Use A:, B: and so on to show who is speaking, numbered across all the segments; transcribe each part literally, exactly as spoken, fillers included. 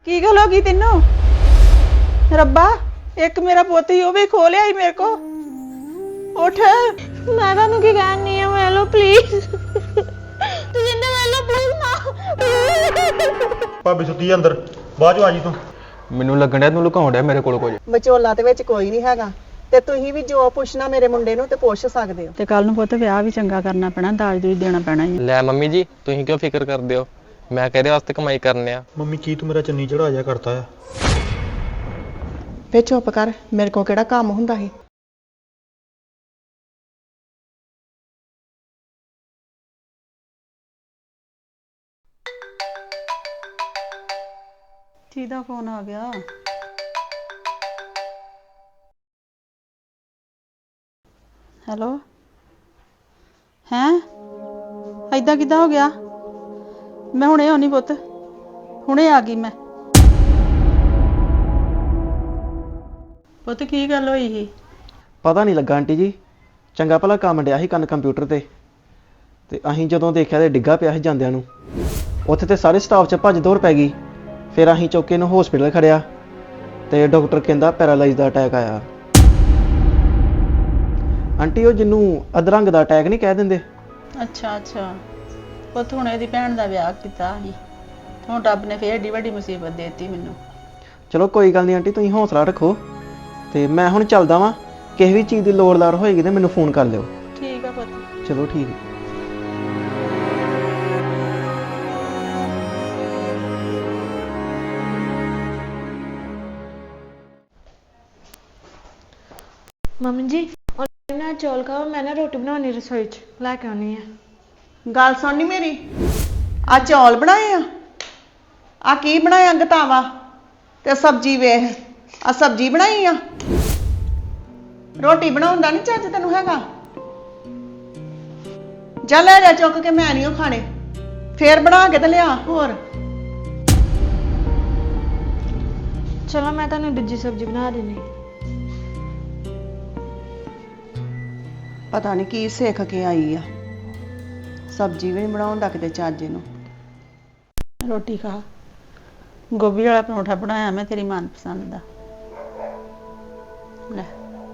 A: ਕੀ ਗੱਲ ਹੋ ਗਈ ਤੈਨੂੰ? ਰੱਬਾ ਇੱਕ ਮੇਰਾ ਪੁੱਤ ਹੀ ਉਹ ਵੀ ਖੋ ਲਿਆ ਹੀ ਮੇਰੇ ਕੋ। ਉੱਠ।
B: ਮੈਂ ਤੁਹਾਨੂੰ ਕੀ ਕਹਿਣੀ ਆ, ਵੇਲੋ ਪਲੀਜ਼ ਤੁਸੀਂ ਇੰਨਾ ਵੇਲੋ ਪਲੀਜ਼ ਨਾ।
C: ਭਾਬੀ ਸੁੱਤੀ ਆ ਅੰਦਰ, ਬਾਅਦ ਚ ਆ ਜੀ ਤੂੰ।
D: ਮੈਨੂੰ ਲੱਗਣ ਡਿਆ ਤੂੰ ਲੁਕਾਉਣ ਡਿਆ ਮੇਰੇ ਕੋਲ ਕੁਝ।
E: ਵਿਚੋਲਾ ਦੇ ਵਿੱਚ ਕੋਈ ਨਹੀਂ ਹੈਗਾ ਤੇ ਤੁਸੀਂ ਵੀ ਜੋ ਪੁੱਛਣਾ ਮੇਰੇ ਮੁੰਡੇ ਨੂੰ ਤੇ ਪੁੱਛ ਸਕਦੇ ਹੋ।
A: ਤੇ ਕੱਲ ਨੂੰ ਪੁੱਤ ਵਿਆਹ ਵੀ ਚੰਗਾ ਕਰਨਾ ਪੈਣਾ, ਦਾਜ ਦੂਜ ਦੇਣਾ ਪੈਣਾ ਹੀ।
D: ਲੈ ਮੰਮੀ ਜੀ ਤੁਸੀਂ ਕਿਉਂ ਫਿਕਰ ਕਰਦੇ ਹੋ, ਮੈਂ ਕਿਹਦੇ ਵਾਸਤੇ ਕਮਾਈ ਕਰਨੇ ਆ।
C: ਮੰਮੀ ਕੀ ਤੂੰ ਮੇਰਾ ਚੰਨੀ ਚੜਾ ਜਾ ਕਰਤਾ ਆ।
E: ਫੇ ਚੁੱਪ ਕਰ, ਮੇਰੇ ਕੋਲ ਕਿਹੜਾ ਕੰਮ ਹੁੰਦਾ ਸੀ।
A: ਕਿਹਦਾ ਫੋਨ ਆ ਗਿਆ? ਹੈਲੋ ਹੈਂ ਏਦਾਂ ਕਿੱਦਾਂ ਹੋ ਗਿਆ? ਮੈਂ ਹੁਣੇ ਆਉਣੀ ਪੁੱਤ, ਹੁਣੇ ਆ ਗਈ ਮੈਂ। ਪੁੱਤ ਕੀ ਗੱਲ ਹੋਈ ਸੀ?
F: ਪਤਾ ਨਹੀਂ ਲੱਗਾ ਆਂਟੀ ਜੀ, ਚੰਗਾ ਭਲਾ ਕੰਮ ਡਿਆ ਸੀ ਕੰਨ ਕੰਪਿਊਟਰ ਤੇ ਤੇ ਅਸੀਂ ਜਦੋਂ ਦੇਖਿਆ ਤੇ ਡਿੱਗਾ ਪਿਆ ਸੀ ਜਾਂਦਿਆਂ ਨੂੰ। ਉੱਥੇ ਤੇ ਸਾਰੇ ਸਟਾਫ 'ਚ ਭੱਜ ਦੌੜ ਪੈ ਗਈ। ਫਿਰ ਅਸੀਂ ਚੁੱਕ ਕੇ ਇਹਨੂੰ ਹਸਪੀਟਲ ਖੜਿਆ ਤੇ ਡਾਕਟਰ ਕਹਿੰਦਾ ਪੈਰਾਲਾਈਜ਼ ਦਾ ਅਟੈਕ ਆਇਆ। ਆਂਟੀ ਉਹ ਜਿਹਨੂੰ ਅਧਰੰਗ ਦਾ ਅਟੈਕ ਨਹੀਂ ਕਹਿ ਦਿੰਦੇ।
A: ਅੱਛਾ ਅੱਛਾ ਪੁੱਤ ਹੁਣ ਇਹਦੀ ਭੈਣ ਦਾ ਵਿਆਹ ਕੀਤਾ ਸੀ, ਹੁਣ ਰੱਬ ਨੇ ਫੇਰ ਏਡੀ ਵੱਡੀ ਮੁਸੀਬਤ ਦੇ ਦਿੱਤੀ ਮੈਨੂੰ।
F: ਚਲੋ ਕੋਈ ਗੱਲ ਨਹੀਂ ਆਂਟੀ, ਤੁਸੀਂ ਹੌਸਲਾ ਰੱਖੋ ਤੇ ਮੈਂ ਹੁਣ ਚੱਲਦਾ ਵਾਂ। ਕਿਸੇ ਵੀ ਚੀਜ਼ ਦੀ ਲੋੜ ਲਾੜ ਹੋਏਗੀ ਤੇ ਮੈਨੂੰ ਫੋਨ ਕਰ ਲਿਓ।
A: ਠੀਕ ਆ ਪੁੱਤ।
F: ਚਲੋ ਠੀਕ ਹੈ।
B: ਮੰਮੀ ਜੀ ਉਹਨਾਂ ਚੌਲ ਖਾਓ, ਮੈਂ ਨਾ ਰੋਟੀ ਬਣਾਉਣੀ ਰਸੋਈ 'ਚ ਲੈ ਕੇ ਆਉਣੀ ਆ।
E: ਗੱਲ ਸੁਣਨੀ ਮੇਰੀ, ਆ ਚੌਲ ਬਣਾਏ ਆ, ਆ ਕੀ ਬਣਾਇਆ ਗਤਾਵਾ ਤੇ ਸਬਜ਼ੀ ਵੇਖ, ਆ ਸਬਜ਼ੀ ਬਣਾਈ ਆ। ਰੋਟੀ ਬਣਾਉਣ ਦਾ ਨਹੀਂ ਚੱਜ ਤੈਨੂੰ ਹੈਗਾ। ਜਾ ਲੈ ਜਾ ਚੁੱਕ ਕੇ, ਮੈਂ ਨਹੀਂ ਉਹ ਖਾਣੇ, ਫੇਰ ਬਣਾ ਕੇ ਤੇ ਲਿਆ ਹੋਰ।
B: ਚਲੋ ਮੈਂ ਤੁਹਾਨੂੰ ਦੂਜੀ ਸਬਜ਼ੀ ਬਣਾ ਦਿੰਦੀ।
E: ਪਤਾ ਨਹੀਂ ਕੀ ਸਿੱਖ ਕੇ ਆਈ ਆ, ਸਬਜ਼ੀ ਵੀ ਨਹੀਂ ਬਣਾਉਂਦਾ ਕਿਤੇ ਚੱਜ ਨੂੰ।
A: ਰੋਟੀ ਖਾ। ਗੋਭੀ ਵਾਲਾ ਪਰੌਂਠਾ ਬਣਾਇਆ ਮੈਂ ਤੇਰੀ ਮਨਪਸੰਦ ਦਾ, ਲੈ।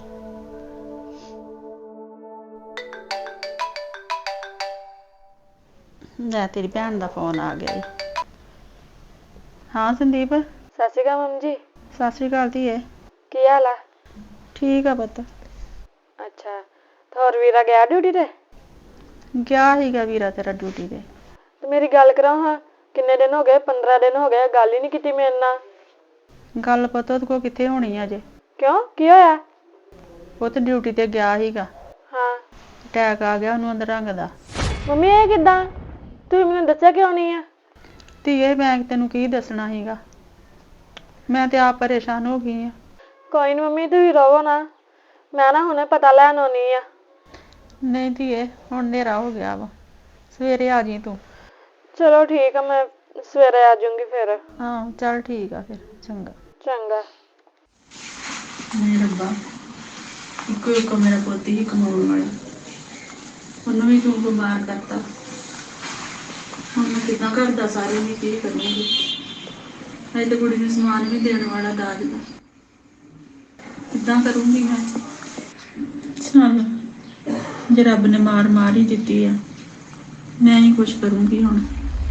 A: ਲੈ ਤੇਰੀ ਭੈਣ ਦਾ ਫੋਨ ਆ ਗਿਆ ਈ। ਹਾਂ ਸੰਦੀਪ।
B: ਸਤਿ ਸ਼੍ਰੀ ਅਕਾਲ ਮੰਮੀ ਜੀ।
A: ਸਤਿ ਸ਼੍ਰੀ ਅਕਾਲ ਧੀਏ।
B: ਕੀ ਹਾਲ ਆ?
A: ਠੀਕ ਆ ਪੁੱਤ।
B: ਅੱਛਾ ਹੋਰ ਵੀਰਾ ਗਿਆ ਡਿਊਟੀ ਤੇ?
A: ਗਿਆ ਸੀਗਾ ਵੀਰਾ ਤੇਰਾ ਡਿਊਟੀ ਤੇ।
B: ਤੇ ਮੇਰੀ ਗੱਲ ਕਰਾਓ ਹਾਂ, ਕਿੰਨੇ ਦਿਨ ਹੋ ਗਏ? ਪੰਦਰਾਂ ਦਿਨ ਹੋ ਗਏ, ਗੱਲ ਹੀ ਨਹੀਂ ਕੀਤੀ ਮੇਰੇ ਨਾਲ।
A: ਗੱਲ ਪੁੱਤ ਉਹਦੇ ਕੋਲ ਕਿੱਥੇ ਹੋਣੀ ਆ ਅਜੇ।
B: ਕਿਉਂ, ਕੀ ਹੋਇਆ?
A: ਪੁੱਤ ਡਿਊਟੀ ਤੇ ਗਿਆ ਸੀਗਾ,
B: ਹਾਂ
A: ਅਟੈਕ ਆ ਗਿਆ ਉਹਨੂੰ ਅਧਰੰਗ ਦਾ।
B: ਮੰਮੀ ਇਹ ਕਿੱਦਾਂ? ਤੁਸੀਂ ਮੈਨੂੰ ਦੱਸਿਆ ਕਿਉਂ ਨਹੀਂ ਆ?
A: ਧੀਏ ਮੈਂ ਤੈਨੂੰ ਕੀ ਦੱਸਣਾ ਸੀਗਾ, ਮੈਂ ਤੇ ਆਪ ਪਰੇਸ਼ਾਨ ਹੋ ਗਈ ਆ।
B: ਕੋਈ ਨੀ ਮੰਮੀ ਤੁਸੀਂ ਰਹੋ ਨਾ, ਮੈਂ ਨਾ ਹੁਣੇ ਪਤਾ ਲੈਣ ਆਉਣੀ ਆ।
A: ਨਹੀਂ ਧੀਏ ਹੁਣ ਹਨੇਰਾ ਹੋ ਗਿਆ ਵਾ, ਸਵੇਰੇ ਆ ਜੀ ਤੂੰ।
B: ਚਲੋ ਠੀਕ ਆ, ਮੈਂ ਸਵੇਰੇ ਆ ਜਾਊਂਗੀ ਫਿਰ।
A: ਹਾਂ ਚੱਲ ਠੀਕ ਆ ਫਿਰ, ਚੰਗਾ।
B: ਚੰਗਾ।
A: ਨਹੀਂ ਰੱਬਾ, ਇੱਕੋ ਇੱਕੋ ਮੇਰਾ ਪੁੱਤ ਹੀ ਕਮਾਉਣ ਵਾਲਾ, ਉਹਨੂੰ ਵੀ ਤੂੰ ਬਿਮਾਰ ਕਰਤਾ। ਹੁਣ ਮੈਂ ਕਿੱਦਾਂ ਘਰ ਦਾ ਸਾਰੇ ਵੀ ਕੀ ਕਰੂੰਗੀ? ਅਜੇ ਤਾਂ ਕੁੜੀ ਨੂੰ ਸਮਾਨ ਵੀ ਦੇਣ ਵਾਲਾ ਦਾਜ ਦਾ, ਕਿੱਦਾਂ ਕਰੂੰਗੀ ਮੈਂ? ਚੱਲ ਜੇ ਰੱਬ ਨੇ ਮਾਰ ਮਾਰ ਹੀ ਦਿੱਤੀ ਆ, ਮੈਂ ਹੀ ਕੁਛ ਕਰੂੰਗੀ ਹੁਣ।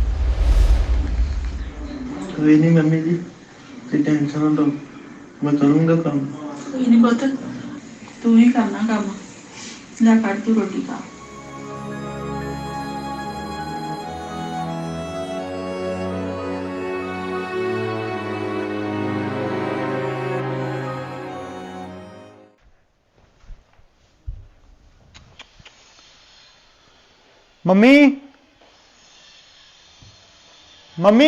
G: ਕੋਈ ਨਹੀਂ ਮੰਮੀ ਜੀ, ਤੁਸੀਂ ਟੈਨਸ਼ਨ ਨਾ ਲਓ, ਮੈਂ ਕਰੂੰਗਾ ਕੰਮ।
A: ਕੋਈ ਨਹੀਂ ਪੁੱਤ, ਤੂੰ ਹੀ ਕਰਨਾ ਕੰਮ। ਲੈ ਕੱਢ ਤੂੰ ਰੋਟੀ ਖਾ।
C: ਮੰਮੀ ਮੰਮੀ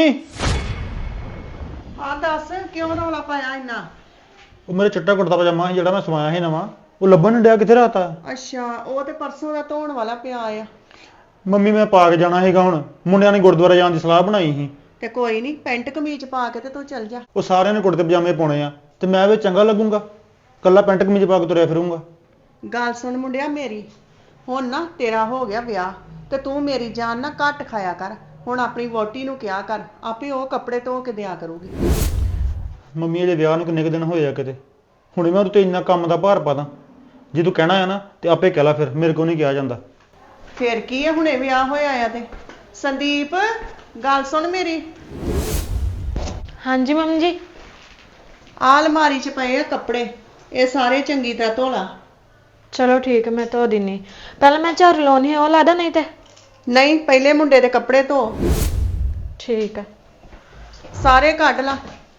E: ਆ ਦੱਸ ਕਿਉਂ ਰੌਲਾ ਪਾਇਆ ਇੰਨਾ?
C: ਉਹ ਮੇਰੇ ਚਿੱਟਾ ਕੁੜਤਾ ਪਜਾਮਾ ਸੀ ਜਿਹੜਾ ਮੈਂ ਸਵਾਇਆ ਸੀ ਨਵਾਂ, ਉਹ ਲੱਭਣ ਨਹੀਂ ਡਿਆ, ਕਿੱਥੇ ਰਾਤਾ?
E: ਅੱਛਾ ਉਹ ਤੇ ਪਰਸੋਂ ਦਾ ਧੋਣ ਵਾਲਾ ਪਿਆ ਆ।
C: ਮੰਮੀ ਮੈਂ ਪਾ ਕੇ ਜਾਣਾ ਸੀਗਾ, ਹੁਣ ਮੁੰਡਿਆਂ ਨੇ ਗੁਰਦੁਆਰਾ ਜਾਣ ਦੀ ਸਲਾਹ ਬਣਾਈ ਸੀ।
E: ਤੇ ਕੋਈ ਨਹੀਂ, ਪੈਂਟ ਕਮੀਜ਼ ਪਾ ਕੇ ਤੇ ਤੂੰ ਚੱਲ ਜਾ।
C: ਉਹ ਸਾਰਿਆਂ ਨੇ ਕੁੜਤੇ ਪਜਾਮੇ ਪਾਉਣੇ ਆ ਤੇ ਮੈਂ ਵੀ ਚੰਗਾ ਲੱਗੂੰਗਾ, ਕੱਲਾ ਪੈਂਟ ਕਮੀਜ਼ ਪਾ ਕੇ ਤੁਰਿਆ ਫਿਰੂੰਗਾ।
E: ਗੱਲ ਸੁਣ ਮੁੰਡਿਆ ਮੇਰੀ, ਹੁਣ ਨਾ ਤੇਰਾ ਹੋ ਗਿਆ ਵਿਆਹ ਤੇ ਤੂੰ ਮੇਰੀ ਜਾਨ ਨਾ ਘੱਟ ਖਾਇਆ ਕਰ। ਹੁਣ ਆਪਣੀ ਵਹੁਟੀ ਨੂੰ ਕਿਹਾ ਕਰ, ਆਪੇ ਉਹ ਕੱਪੜੇ ਧੋ ਕੇ ਦਿਆ ਕਰੂਗੀ।
C: ਮੰਮੀ ਇਹਦੇ ਵਿਆਹ ਨੂੰ ਕਿੰਨੇ ਕੁ ਦਿਨ ਹੋਏ ਆ ਕਿਤੇ, ਹੁਣੇ ਮੈਂ ਉਹਦੇ ਤੇ ਇੰਨਾ ਕੰਮ ਦਾ ਭਾਰ ਪਾ ਦਾਂ। ਜੇ ਤੂੰ ਕਹਿਣਾ ਆ ਨਾ ਤੇ ਆਪੇ ਕਹਿ ਲਾ, ਫਿਰ ਮੇਰੇ ਕੋਲ ਨਹੀਂ ਕਿਹਾ ਜਾਂਦਾ।
E: ਫੇਰ ਕੀ ਹੈ, ਹੁਣੇ ਵਿਆਹ ਹੋਇਆ ਆ ਤੇ। ਸੰਦੀਪ ਗੱਲ ਸੁਣ ਮੇਰੀ,
B: ਹਾਂਜੀ ਮੰਮੀ ਜੀ।
E: ਆਹ ਅਲਮਾਰੀ 'ਚ ਪਏ ਆ ਕੱਪੜੇ, ਇਹ ਸਾਰੇ ਚੰਗੀ ਤਰ੍ਹਾਂ ਧੋ ਲਾ।
B: ਚਲੋ ਠੀਕ ਹੈ, ਮੈਂ ਧੋ ਦਿੰਨੀ। ਪਹਿਲਾਂ ਮੈਂ ਝਾੜੂ ਲਾਉਣੀ ਹੈ, ਉਹ ਲਾ ਦਾਂ ਨਹੀਂ ਤੇ?
E: ਨਹੀਂ, ਪਹਿਲੇ ਮੁੰਡੇ ਦੇ ਕੱਪੜੇ ਧੋ।
B: ਠੀਕ ਹੈ।
E: ਸਾਰੇ ਕੱਢ ਲਾ।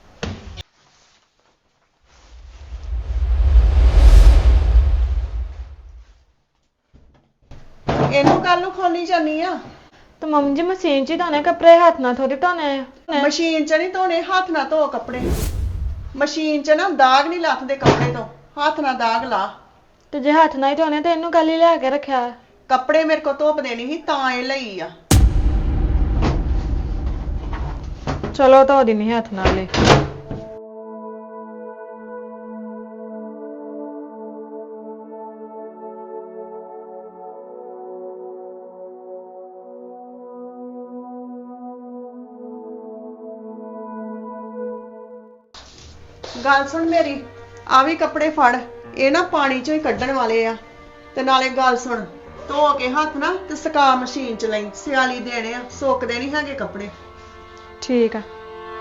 E: ਇਹਨੂੰ ਕੱਲ ਨੂੰ ਖੋਲੀ ਜਾਨੀ ਆ।
B: ਤੇ ਮੰਮੀ ਜੀ ਮਸ਼ੀਨ 'ਚ ਹੀ ਧੋਣੇ ਕੱਪੜੇ, ਹੱਥ ਨਾਲ ਥੋੜੀ ਧੋਣੇ ਆ।
E: ਮਸ਼ੀਨ 'ਚ ਨਹੀਂ ਧੋਣੇ, ਹੱਥ ਨਾਲ ਧੋ ਕੱਪੜੇ। ਮਸ਼ੀਨ 'ਚ ਨਾ ਦਾਗ ਨਹੀਂ ਲੱਥਦੇ ਕੱਪੜੇ ਤੋਂ, ਹੱਥ ਨਾਲ ਦਾਗ ਲਾ।
B: ਤੇ ਜੇ ਹੱਥ ਨਾਲ ਹੀ ਧੋਣੇ ਤੇ ਇਹਨੂੰ ਕੱਲ ਹੀ ਲਿਆ ਕੇ ਰੱਖਿਆ।
E: ਕੱਪੜੇ ਮੇਰੇ ਕੋਲ ਧੁੱਪ ਦੇਣੀ ਸੀ ਤਾਂ ਇਹ ਲਈ ਆ।
B: ਚਲੋ ਧੋ ਦਿੰਨੀ ਹੱਥ ਨਾਲ ਹੀ।
E: ਗੱਲ ਸੁਣ ਮੇਰੀ, ਆ ਵੀ ਕੱਪੜੇ ਫੜ, ਇਹ ਨਾ ਪਾਣੀ 'ਚੋਂ ਹੀ ਕੱਢਣ ਵਾਲੇ ਆ। ਤੇ ਨਾਲੇ ਗੱਲ ਸੁਣ, ਧੋ ਕੇ ਹੱਥ ਨਾ ਤੇ ਸੁਕਾ ਮਸ਼ੀਨ 'ਚ ਲਈ, ਸਿਆਲੀ ਦੇਣੇ ਆ, ਸੁੱਕਦੇ ਨਹੀਂ ਹੈਗੇ ਕੱਪੜੇ।
B: ਠੀਕ ਆ।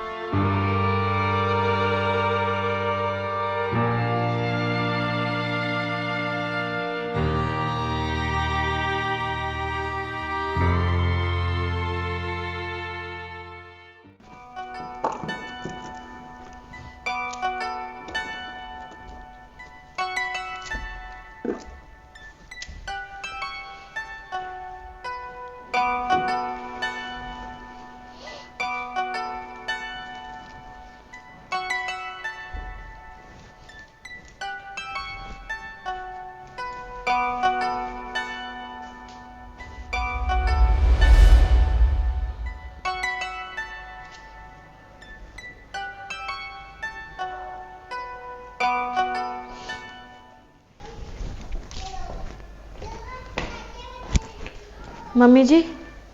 B: ਮੰਮੀ ਜੀ,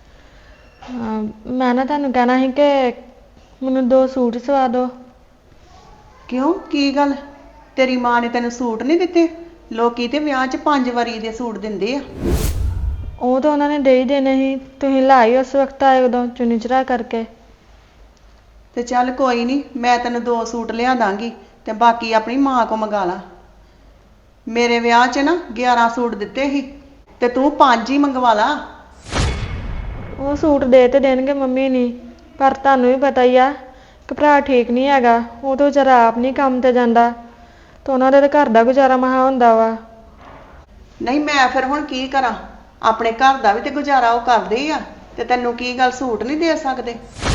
B: ਮੈਂ ਨਾ ਤੁਹਾਨੂੰ ਕਹਿਣਾ ਸੀ ਕਿ ਮੈਨੂੰ ਦੋ ਸੂਟ ਸਵਾ ਦਿਓ।
E: ਕਿਉਂ, ਕੀ ਗੱਲ? ਤੇਰੀ ਮਾਂ ਨੇ ਤੈਨੂੰ ਸੂਟ ਨਹੀਂ ਦਿੱਤੇ? ਲੋਕੀ ਤੇ ਵਿਆਹ 'ਚ ਪੰਜ ਵਾਰੀ ਦੇ ਸੂਟ ਦਿੰਦੇ ਆ।
B: ਉਹ ਤਾਂ ਉਹਨਾਂ ਨੇ ਦੇ ਹੀ ਦੇਣੇ ਸੀ, ਤੁਸੀਂ ਲਾਈ ਉਸ ਵਕਤ ਆਏ ਉਦੋਂ ਚੁੰਨੀ ਚੜਾ ਕਰਕੇ।
E: ਤੇ ਚੱਲ ਕੋਈ ਨਹੀਂ, ਮੈਂ ਤੈਨੂੰ ਦੋ ਸੂਟ ਲਿਆ ਦਾਂਗੀ ਤੇ ਬਾਕੀ ਆਪਣੀ ਮਾਂ ਕੋ ਮੰਗਾ ਲਾ। ਮੇਰੇ ਵਿਆਹ 'ਚ ਨਾ ਗਿਆਰਾਂ ਸੂਟ ਦਿੱਤੇ ਸੀ ਤੇ ਤੂੰ ਪੰਜ ਹੀ ਮੰਗਵਾ ਲਾ।
B: ਉਹ ਸੂਟ ਦੇ ਤੇ ਦੇਣਗੇ ਮੰਮੀ ਨਹੀਂ, ਪਰ ਤੁਹਾਨੂੰ ਵੀ ਪਤਾ ਹੀ ਆ ਕਿ ਭਰਾ ਠੀਕ ਨਹੀਂ ਹੈਗਾ, ਉਹ ਤਾਂ ਵਿਚਾਰਾ ਆਪ ਨਹੀਂ ਕੰਮ ਤੇ ਜਾਂਦਾ ਤੇ ਉਹਨਾਂ ਦੇ ਤਾਂ ਘਰ ਦਾ ਗੁਜ਼ਾਰਾ ਮਹਾ ਹੁੰਦਾ ਵਾ।
E: ਨਹੀਂ, ਮੈਂ ਫਿਰ ਹੁਣ ਕੀ ਕਰਾਂ? ਆਪਣੇ ਘਰ ਦਾ ਵੀ ਤੇ ਗੁਜ਼ਾਰਾ ਉਹ ਕਰਦੇ ਹੀ ਆ, ਤੇ ਤੈਨੂੰ ਕੀ ਗੱਲ ਸੂਟ ਨਹੀਂ ਦੇ ਸਕਦੇ?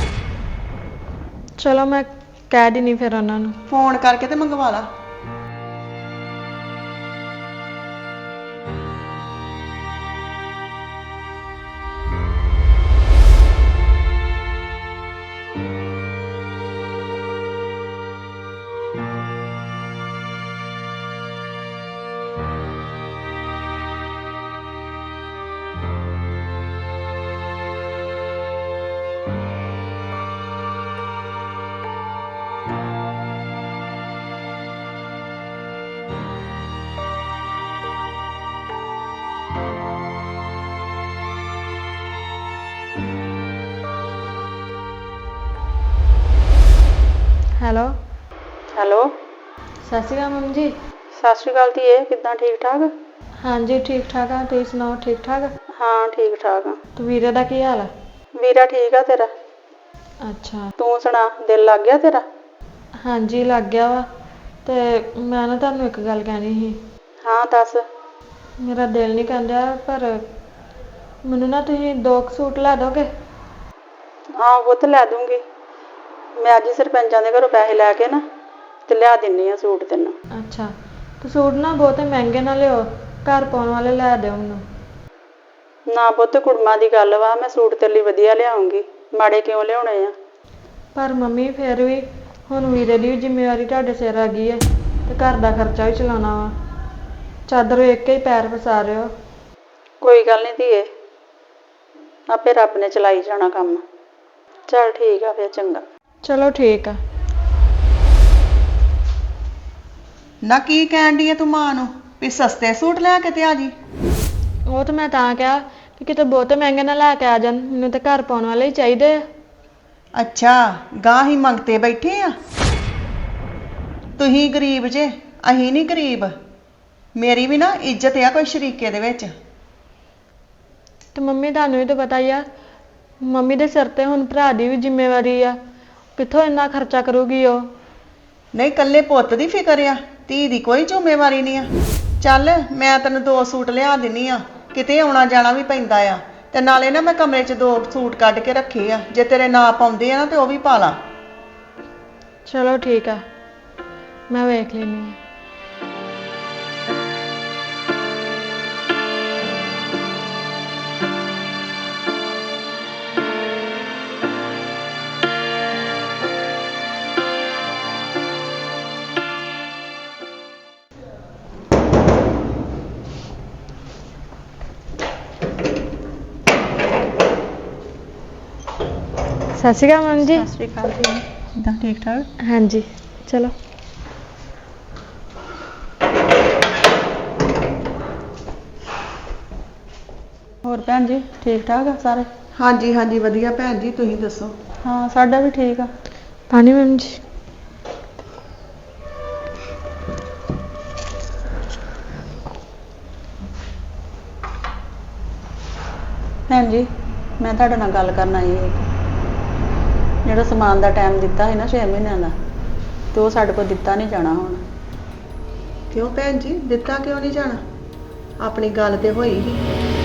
B: ਚਲੋ ਮੈਂ ਕਹਿ ਦਿੰਨੀ ਫਿਰ ਉਹਨਾਂ ਨੂੰ।
E: ਫੋਨ ਕਰਕੇ ਤੇ ਮੰਗਵਾ ਲਾ।
B: ਹੈਲੋ।
E: ਹੈਲੋ,
B: ਸਤਿ ਸ਼੍ਰੀ ਅਕਾਲ ਮੰਮੀ ਜੀ।
E: ਸਤਿ ਸ਼੍ਰੀ ਅਕਾਲ ਧੀਏ, ਕਿੱਦਾਂ? ਠੀਕ ਠਾਕ?
B: ਹਾਂਜੀ ਠੀਕ ਠਾਕ ਆ, ਤੁਸੀਂ ਸੁਣਾਓ ਠੀਕ ਠਾਕ?
E: ਹਾਂ ਠੀਕ ਠਾਕ ਆ।
B: ਤੇ ਵੀਰੇ ਦਾ ਕੀ ਹਾਲ ਆ?
E: ਵੀਰਾ ਠੀਕ ਆ ਤੇਰਾ?
B: ਅੱਛਾ।
E: ਤੂੰ ਸੁਣਾ, ਦਿਲ ਲੱਗ ਗਿਆ ਤੇਰਾ?
B: ਹਾਂਜੀ ਲੱਗ ਗਿਆ ਵਾ। ਤੇ ਮੈਂ ਨਾ ਤੁਹਾਨੂੰ ਇੱਕ ਗੱਲ ਕਹਿਣੀ ਸੀ।
E: ਹਾਂ ਦੱਸ।
B: ਮੇਰਾ ਦਿਲ ਨਹੀਂ ਕਹਿੰਦਾ, ਪਰ ਮੈਨੂੰ ਨਾ ਤੁਸੀਂ ਦੋ ਕੁ ਸੂਟ ਲੈ ਦੋਗੇ?
E: ਹਾਂ ਉਹ ਤਾਂ ਲੈ ਦੂੰਗੀ, ਮੈਂ ਅੱਜ ਸਰਪੰਚਾਂ ਦੇ ਘਰੋਂ ਪੈਸੇ ਲੈ ਕੇ ਨਾ ਤੇ ਲਿਆ ਦਿੰਨੀ ਆ ਸੂਟ ਤੈਨੂੰ।
B: ਅੱਛਾ, ਤੇ ਸੂਟ ਨਾ ਬਹੁਤੇ ਮਹਿੰਗੇ ਨਾ ਲਿਓ, ਘਰ ਪਾਉਣ ਵਾਲੇ ਲੈ ਦਿਓ ਮੈਨੂੰ।
E: ਨਾ ਪੁੱਤ, ਕੁੜਮਾਂ ਦੀ ਗੱਲ ਵਾ, ਮੈਂ ਸੂਟ ਤੇਰੇ ਲਈ ਵਧੀਆ ਲਿਆਉਂਗੀ, ਮਾੜੇ ਕਿਉਂ ਲਿਆਉਣੇ ਆ?
B: ਪਰ ਮੰਮੀ ਫਿਰ ਵੀ ਹੁਣ ਵੀਰੇ ਦੀ ਵੀ ਜ਼ਿੰਮੇਵਾਰੀ ਤੁਹਾਡੇ ਸਿਰ ਆ ਗਈ ਹੈ ਤੇ ਘਰ ਦਾ ਖਰਚਾ ਵੀ ਚਲਾਉਣਾ ਵਾ। ਚਾਦਰ ਵੇਖ ਕੇ ਹੀ ਪੈਰ ਫਸਾ ਰਹੇ ਹੋ।
E: ਕੋਈ ਗੱਲ ਨਹੀਂ ਧੀਏ,
A: ਆਪੇ ਰੱਬ ਨੇ ਚਲਾਈ ਜਾਣਾ ਕੰਮ। ਚੱਲ ਠੀਕ ਆ ਫਿਰ, ਚੰਗਾ।
B: ਚਲੋ ਠੀਕ ਆ।
E: ਨਾ ਕੀ ਕਹਿਣ ਡਈ ਆ ਤੂੰ ਮਾਂ ਨੂੰ ਵੀ ਸਸਤੇ ਸੂਟ ਲੈ ਕੇ ਤੇ ਆ ਜੀ?
B: ਉਹ ਤਾਂ ਮੈਂ ਤਾਂ ਕਿਹਾ ਕਿ ਕਿਤੇ ਬਹੁਤੇ ਮਹਿੰਗੇ ਨਾ ਲੈ ਕੇ ਆ ਜਾਣ, ਮੈਨੂੰ ਤਾਂ ਘਰ ਪਾਉਣ ਵਾਲੇ ਹੀ ਚਾਹੀਦੇ ਆ।
E: ਅੱਛਾ, ਗਾਂ ਹੀ ਮੰਗਤੇ ਬੈਠੇ ਆ। ਤੁਸੀਂ ਗਰੀਬ ਜੇ, ਅਸੀਂ ਨਹੀਂ ਗਰੀਬ। ਮੇਰੀ ਵੀ ਨਾ ਇੱਜ਼ਤ ਆ ਕੋਈ ਸ਼ਰੀਕੇ ਦੇ ਵਿੱਚ।
B: ਤੇ ਮੰਮੀ ਤੁਹਾਨੂੰ ਵੀ ਤਾਂ ਪਤਾ ਹੀ ਆ, ਮੰਮੀ ਦੇ ਸਿਰ ਤੇ ਹੁਣ ਭਰਾ ਦੀ ਵੀ ਜ਼ਿੰਮੇਵਾਰੀ ਆ, ਕਿੱਥੋਂ ਇੰਨਾ ਖਰਚਾ ਕਰੂਗੀ ਉਹ।
E: ਨਹੀਂ, ਇਕੱਲੇ ਪੁੱਤ ਦੀ ਫਿਕਰ ਆ, ਧੀ ਦੀ ਕੋਈ ਜ਼ਿੰਮੇਵਾਰੀ ਨਹੀਂ ਆ। ਚੱਲ ਮੈਂ ਤੈਨੂੰ ਦੋ ਸੂਟ ਲਿਆ ਦਿੰਨੀ ਆ, ਕਿਤੇ ਆਉਣਾ ਜਾਣਾ ਵੀ ਪੈਂਦਾ ਆ। ਤੇ ਨਾਲੇ ਨਾ ਮੈਂ ਕਮਰੇ 'ਚ ਦੋ ਸੂਟ ਕੱਢ ਕੇ ਰੱਖੇ ਆ, ਜੇ ਤੇਰੇ ਨਾਂ ਪਾਉਂਦੇ ਆ ਨਾ ਤੇ ਉਹ ਵੀ ਪਾ ਲਾ।
B: ਚਲੋ ਠੀਕ ਆ, ਮੈਂ ਵੇਖ ਲੈਂਦੀ ਹਾਂ। ਸਤਿ ਸ਼੍ਰੀ ਅਕਾਲ ਮੈਮ ਜੀ।
A: ਸਤਿ ਸ਼੍ਰੀ ਅਕਾਲ ਜੀ। ਕਿੱਦਾਂ, ਠੀਕ ਠਾਕ?
B: ਹਾਂਜੀ, ਚਲੋ।
A: ਹੋਰ ਭੈਣ ਜੀ, ਠੀਕ ਠਾਕ ਆ ਸਾਰੇ?
E: ਹਾਂਜੀ ਹਾਂਜੀ ਵਧੀਆ ਭੈਣ ਜੀ, ਤੁਸੀਂ ਦੱਸੋ?
A: ਹਾਂ, ਸਾਡਾ ਵੀ ਠੀਕ ਆ।
B: ਪਾਣੀ ਮੈਮ ਜੀ।
A: ਭੈਣ ਜੀ, ਮੈਂ ਤੁਹਾਡੇ ਨਾਲ ਗੱਲ ਕਰਨ ਆਈ ਹਾਂ। ਜਿਹੜਾ ਸਮਾਨ ਦਾ ਟਾਈਮ ਦਿੱਤਾ ਸੀ ਨਾ ਛੇ ਮਹੀਨਿਆਂ ਦਾ, ਤੇ ਉਹ ਸਾਡੇ ਕੋਲ ਦਿੱਤਾ ਨਹੀਂ ਜਾਣਾ ਹੁਣ।
E: ਕਿਉਂ ਭੈਣ ਜੀ, ਦਿੱਤਾ ਕਿਉਂ ਨਹੀਂ ਜਾਣਾ? ਆਪਣੀ ਗੱਲ ਤੇ ਹੋਈ ਸੀ।